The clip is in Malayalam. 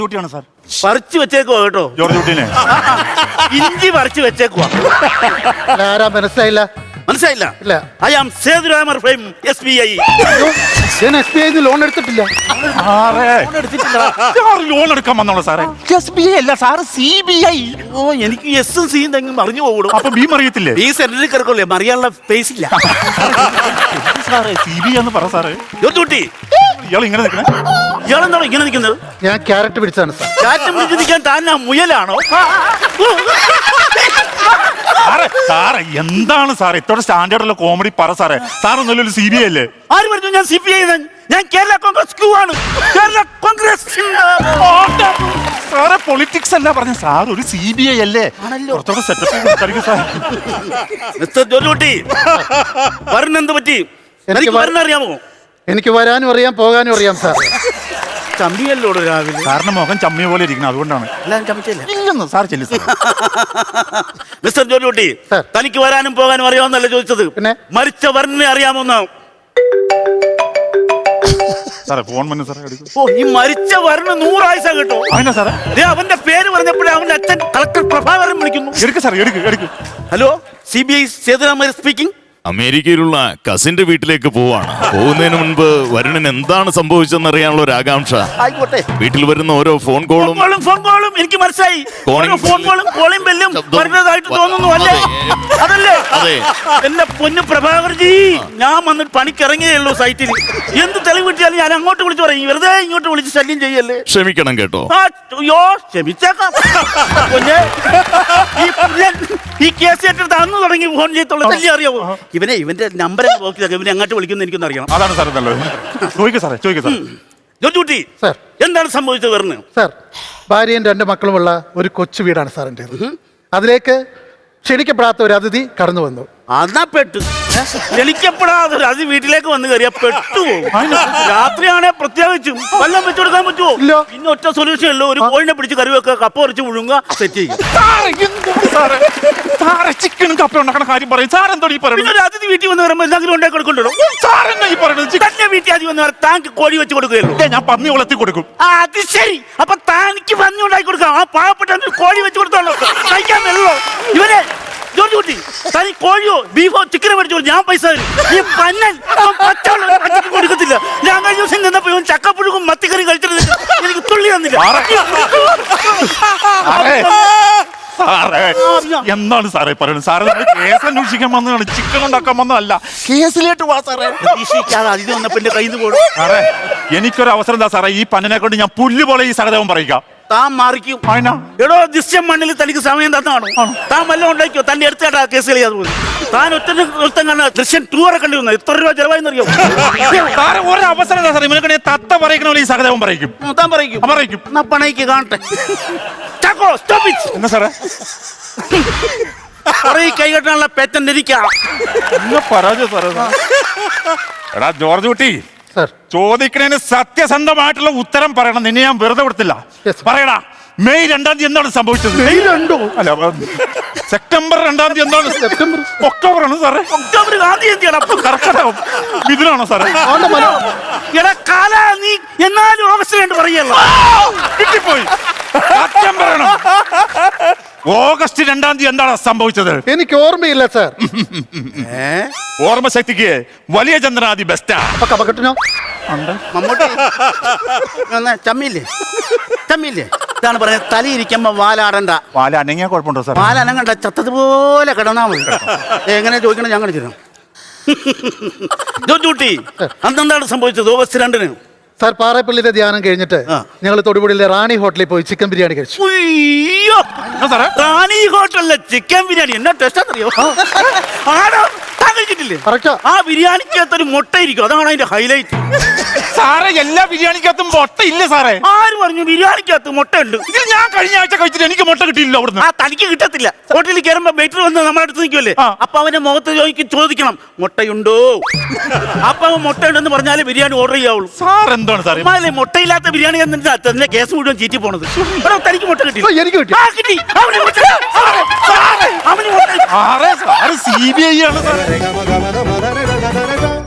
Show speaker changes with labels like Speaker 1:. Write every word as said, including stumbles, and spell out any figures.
Speaker 1: ഡ്യൂട്ടിയാണ് സാർ.
Speaker 2: പറിച്ചു വെച്ചേക്കുവാ കേട്ടോ
Speaker 1: ജോർജ് കുട്ടീനെ.
Speaker 2: ഇഞ്ചി പറിച്ചു വെച്ചേക്കുവാ.
Speaker 3: ആരാ മനസ്സിലായില്ല?
Speaker 2: മനസ്സിലായില്ല?
Speaker 3: ഇല്ല.
Speaker 2: I am Sethuramar from S B I.
Speaker 3: ഞാൻ എസ് ബി ഐ ലോൺ എടുത്തിട്ടില്ല.
Speaker 1: ലോൺ എടുക്കാൻ വന്നോളൂ സാറേ. എസ് ബി ഐ അല്ല സാറ്, സി ബി ഐ.
Speaker 2: ഓ, എനിക്ക് എസും സിയും തെങ്ങും മറിഞ്ഞു പോകും.
Speaker 1: അപ്പൊ ബി അറിയത്തില്ലേ?
Speaker 2: ഈ സെന്ററിൽ കിടക്കല്ലേ, മറിയാനുള്ള സ്പേസ് ഇല്ല.
Speaker 1: സാറേ സി ബി ഐ എന്ന് പറ സാറേ.
Speaker 2: ഡ്യൂട്ടി
Speaker 1: ഇയാൾ ഇങ്ങനെ നിൽക്കണേ.
Speaker 2: ഇയാളെന്താണോ ഇങ്ങനെ നിൽക്കുന്നത്?
Speaker 3: ഞാൻ ക്യാരറ്റ് പിടിച്ചാണ് സാർ.
Speaker 2: കാറ്റ് പിടിച്ച് നിൽക്കാൻ താൻ ആ മുയലാണോ?
Speaker 1: സാറേ സാറേ എന്താണ് സാറേ ഇത്തോടെ സ്റ്റാൻഡേർഡുള്ള കോമഡി പറ സാറേ. സാറൊന്നുമല്ല സി ബി ഐ അല്ലേ?
Speaker 2: ആര് പറഞ്ഞു ഞാൻ സി പി ഐ? ഞാൻ കേരള കോൺഗ്രസ് ക്യൂ ആണ്. കേരള കോൺഗ്രസ്.
Speaker 1: സാറേ പൊളിറ്റിക്സ് അല്ല പറഞ്ഞ സാർ, ഒരു സി ബി ഐ അല്ലേ? കുറച്ചുകൂടെ സെറ്റപ്പ് സാർ.
Speaker 2: മിസ്റ്റർ ജോലൂട്ടി, വരണെന്ത് പറ്റി? എനിക്ക് വരണറിയാമോ?
Speaker 3: എനിക്ക് വരാനും അറിയാം, പോകാനും അറിയാം സാർ.
Speaker 2: ചമ്മിയല്ലോ രാവിലെ.
Speaker 1: സാറിന്റെ മുഖം ചമ്മിയ പോലെ ഇരിക്കണം, അതുകൊണ്ടാണ്.
Speaker 2: എല്ലാം ചമ്മിച്ചല്ലേ?
Speaker 1: ഇല്ലെന്ന് സാർ ചെല്ലു സാർ.
Speaker 2: മിസ്റ്റർ ജോലൂട്ടി, തനിക്ക് വരാനും പോകാനും അറിയാമെന്നല്ല ചോദിച്ചത്,
Speaker 3: പിന്നെ
Speaker 2: മരിച്ച വരനെ അറിയാമോന്ന്.
Speaker 1: സാറേ ഫോൺ വന്നു സാറേ.
Speaker 2: ഓ, ഈ മരിച്ച വരന് നൂറായുസ കേട്ടോ.
Speaker 1: അതിനാ സാറേ?
Speaker 2: അവന്റെ പേര് പറഞ്ഞപ്പോഴേ അവന്റെ അച്ഛൻ കളക്ടർ പ്രഭാകരൻ വിളിക്കുന്നു.
Speaker 1: എടുക്ക് സാർ, എടുക്ക് എടുക്ക്.
Speaker 2: Hello, C B I Sethuraman speaking.
Speaker 4: അമേരിക്കയിലുള്ള കസിന്റെ വീട്ടിലേക്ക് പോവാണ്. പോകുന്നതിന് മുൻപ് വരുണൻ എന്താണ് സംഭവിച്ചെന്ന് അറിയാനുള്ള ഒരു ആകാംക്ഷ.
Speaker 2: ആയിക്കോട്ടെ.
Speaker 4: വീട്ടിൽ വരുന്ന ഓരോ ഫോൺ കോളും
Speaker 2: ഫോൺ കോളും എനിക്ക് മനസ്സിലായി. ഫോൺ കോളും കോളിംഗ് ബെല്ലും വരുന്നതായിട്ട് തോന്നുന്നു അല്ലേ? അതല്ലേ?
Speaker 4: അതെ.
Speaker 2: എന്റെ പൊന്നു പ്രഭാകർജി, ഞാൻ വന്നിട്ട് പണിക്കിറങ്ങിയേ ഉള്ളൂ സൈറ്റിൽ. എന്ത് തെളിവ് കിട്ടിയാലും ഞാൻ അങ്ങോട്ട് വിളിച്ചു പറയും, വെറുതെ ഇങ്ങോട്ട് വിളിച്ച് ശല്യം ചെയ്യല്ലേ.
Speaker 4: ക്ഷമിക്കണം കേട്ടോ.
Speaker 2: അയ്യോ, ക്ഷമിച്ചേക്കാം. ഈ കേസ് ഏറ്റെടുത്ത് അന്ന് തുടങ്ങി ഫോൺ ചെയ്യത്തുള്ള ശല്യം അറിയാവോ? ഇവനെ ഇവന്റെ നമ്പർ നോക്കിയതൊക്കെ ഇവനെ അങ്ങോട്ട് വിളിക്കുന്ന എനിക്കൊന്നും അറിയണം.
Speaker 1: അതാണ് സാർ നല്ലത്. ചോദിക്കാം സാറേ, ചോദിക്കാം സാർ.
Speaker 2: ജോർജ്
Speaker 3: സാർ,
Speaker 2: എന്താണ് സംഭവിച്ചത്? പറഞ്ഞു
Speaker 3: സാർ. ഭാര്യയും രണ്ട് മക്കളുമുള്ള ഒരു കൊച്ചു വീടാണ് സാറിൻ്റെ. അതിലേക്ക് ക്ഷണിക്കപ്പെടാത്ത ഒരു അതിഥി കടന്നു വന്നു.
Speaker 2: അതാ പെട്ടു. ക്ഷണിക്കപ്പെടാതെ ഒരു അതിഥി വീട്ടിലേക്ക് വന്ന് കയറിയാ പെട്ടുപോകും. രാത്രിയാണെ പ്രത്യേകിച്ചും വല്ലതും വെച്ചു കൊടുക്കാൻ പറ്റുമോ?
Speaker 3: ഇല്ല.
Speaker 2: പിന്നെ ഒറ്റ സൊല്യൂഷൻ ഉള്ളൂ, ഒരു കോഴിനെ പിടിച്ച് കറി വെക്കുക, കപ്പ കുറച്ച് മുഴുങ്ങുക, സെറ്റ് ചെയ്യുക.
Speaker 1: ചിക്കനും കപ്പ ഉണ്ടാക്കണ കാര്യം പറയും സാർ. എന്തോ ഈ പറയുന്നത്?
Speaker 2: പിന്നെ ഒരു അതിഥി വീട്ടിൽ വന്ന് പറയുമ്പോൾ എന്തെങ്കിലും ഉണ്ടാക്കി കൊടുക്കണ്ടോ?
Speaker 1: സാർ എന്നാ ഈ പറയുന്നത്?
Speaker 2: തന്നെ വീട്ടിൽ ആദ്യം വന്ന് താങ്ക് കോഴി വെച്ച് കൊടുക്കുകയല്ലോ.
Speaker 1: ഞാൻ പന്നി വളർത്തി കൊടുക്കും.
Speaker 2: ആ, അത് ശരി. അപ്പൊ താനിക്ക് പന്നി ഉണ്ടാക്കി കൊടുക്കാം. ആ പാവപ്പെട്ട കോഴി വെച്ച് കൊടുത്തോളൂ. കഴിക്കാൻ വെള്ളോ ഇവനെ? ജോർജ് കുട്ടി, തനി കോഴിയോ ബീഫോ ചിക്കനോ മേടിച്ചോ, ഞാൻ പൈസ തരും. ഈ പന്നൻ പച്ചക്ക് കൊടുക്കത്തില്ല. ഞാൻ കഴിഞ്ഞ ദിവസം നിന്നപ്പോ ഇവൻ ചക്കപ്പുഴുക്കും മത്തിക്കറി കഴിച്ചിട്ട് എനിക്ക് തുള്ളി തന്നില്ല.
Speaker 1: എന്താണ് സാറേ പറയുന്നത്? സാറേ കേസ് അന്വേഷിക്കാൻ വന്നതാണ്, ചിക്കൻ ഉണ്ടാക്കാൻ വന്നതല്ല. കേസിലേക്ക് വാ സാറേ.
Speaker 2: പ്രതീക്ഷിക്കാതെ അതിന് വന്നപ്പോ എന്റെ കയ്യിൽ നിന്ന് പോടും.
Speaker 1: സാറേ എനിക്കൊരു അവസരം എന്താ സാറേ? ഈ പന്നിനെ കൊണ്ട് ഞാൻ പുല്ല് പോലെ ഈ സഹദേവം പറയിക്കാം.
Speaker 2: താൻ മാറിക്കും. എടോ, ദൃശ്യം മണ്ണിൽ തനിക്ക് സമയം തന്നാണോ? താൻ വല്ലതും ഉണ്ടാക്കിയോ? തന്റെ അടുത്തേട്ടാ കേസ് കളിയാതെ പോയി. താൻ ഒറ്റ ഒരുത്തം കണ്ട ദൃശ്യം ടൂറെ കണ്ടു വന്നു. എത്ര രൂപ ചെലവായെന്നറിയോ?
Speaker 1: ഒരു അവസരം എന്താ സാറേ? ഇവനെ തത്ത പറയിക്കണ ഈ സഹദേവം പറയിക്കും.
Speaker 2: താൻ പറയിക്കും.
Speaker 1: പറയിക്കും.
Speaker 2: എന്നാ പണയ്ക്ക് കാണട്ടെ.
Speaker 1: എന്നാ സാറേ?
Speaker 2: കൈ കെട്ടാനുള്ള പേറ്റന്റ് ഇരിക്കാം.
Speaker 1: പരാജയ സാറേ. എടാ ജോർജ് കുട്ടി, ചോദിക്കണേന് സത്യസന്ധമായിട്ടുള്ള ഉത്തരം പറയണം. നിന്നെ ഞാൻ വെറുതെ കൊടുത്തില്ല. പറയടാ, മെയ് രണ്ടാം തീയതി എന്താണ് സംഭവിച്ചത്?
Speaker 3: മെയ് രണ്ടോ? അല്ല,
Speaker 1: സെപ്റ്റംബർ രണ്ടാം തീയതി എന്താണ്?
Speaker 3: സെപ്റ്റംബർ
Speaker 1: ഒക്ടോബർ ആണ് സാറേ.
Speaker 2: ഒക്ടോബർ
Speaker 1: കർക്കടകം ഇതിനാണോ സാറേ?
Speaker 2: നീ എന്നാലും ഓഗസ്റ്റ് രണ്ട് പറയല്ലോ.
Speaker 1: കിട്ടിപ്പോയി. സത്യം പറയണം. ഓഗസ്റ്റ് രണ്ടാം തീയതി എന്താണ് സംഭവിച്ചത്?
Speaker 3: എനിക്ക് ഓർമ്മയില്ല സാർ.
Speaker 1: ഓർമ്മശക്തിക്ക് വലിയ ചന്ദ്രനാദി ബെസ്റ്റാ.
Speaker 2: മമ്മൂട്ടി ചമ്മില്ലേ? ചമ്മില്ലേ? ഇതാണ് പറയുന്നത്, തലയിരിക്കുമ്പോ വാലാടണ്ട.
Speaker 1: വാല അനങ്ങിയാ കുഴപ്പമുണ്ടോ സാർ?
Speaker 2: വാല അനങ്ങണ്ട, ചത്തതുപോലെ കിടന്നാ മതി. എങ്ങനെ ചോദിക്കണം, ഞാൻ കാണിച്ചു തരാം. ജോർജ്, അന്നെന്താണ് സംഭവിച്ചത് ഓഗസ്റ്റ് രണ്ടിന്?
Speaker 3: സാർ, പാറപ്പള്ളിയിലെ ധ്യാനം കഴിഞ്ഞിട്ട് ഞങ്ങൾ തൊടുപുഴയിലെ റാണി ഹോട്ടലിൽ പോയി ചിക്കൻ ബിരിയാണി കഴിച്ചു.
Speaker 2: അയ്യോ, റാണി ഹോട്ടലിലെ ചിക്കൻ ബിരിയാണി എന്നാ ടേസ്റ്റ് അറിയോ? ആണോ? താൻ കഴിച്ചിട്ടില്ലേ? ആ ബിരിയാണിക്കകത്തൊരു മുട്ട ഇരിക്കും, അതാണ് അതിന്റെ ഹൈലൈറ്റ്.
Speaker 1: സാറേ എല്ലാ ബിരിയാണിക്കകത്തും മുട്ട ഇല്ല സാറേ.
Speaker 2: ആര് പറഞ്ഞു ബിരിയാണിക്കകത്ത് മുട്ട ഉണ്ട്?
Speaker 1: ഇത് ഞാൻ കഴിഞ്ഞ ആഴ്ച കഴിച്ചിട്ട് എനിക്ക് മുട്ട കിട്ടിയില്ല അവിടുന്ന്.
Speaker 2: ആ, തനിക്ക് കിട്ടത്തില്ല. ഹോട്ടലിൽ കയറുമ്പോ വെയിറ്റർ വന്ന് നമ്മുടെ അടുത്ത് നിൽക്കുമല്ലേ, അപ്പൊ അവന്റെ മുഖത്ത് ചോദിക്കും, ചോദിക്കണം മുട്ടയുണ്ടോ? അപ്പൊ അവൻ മുട്ട ഉണ്ടെന്ന് പറഞ്ഞാല് ബിരിയാണി ഓർഡർ ചെയ്യാവുള്ളൂ.
Speaker 1: സാർ എന്താണ് സാറേ
Speaker 2: മുട്ടയില്ലാത്ത ബിരിയാണി തന്നെ കേസ് മുഴുവൻ ചീറ്റി പോണത്? തനിക്ക് മുട്ട കിട്ടി?
Speaker 3: എനിക്ക് കിട്ടി.
Speaker 2: ആ, കിട്ടി. അവന്
Speaker 1: സി ബി ഐ ആണ് സാറേ.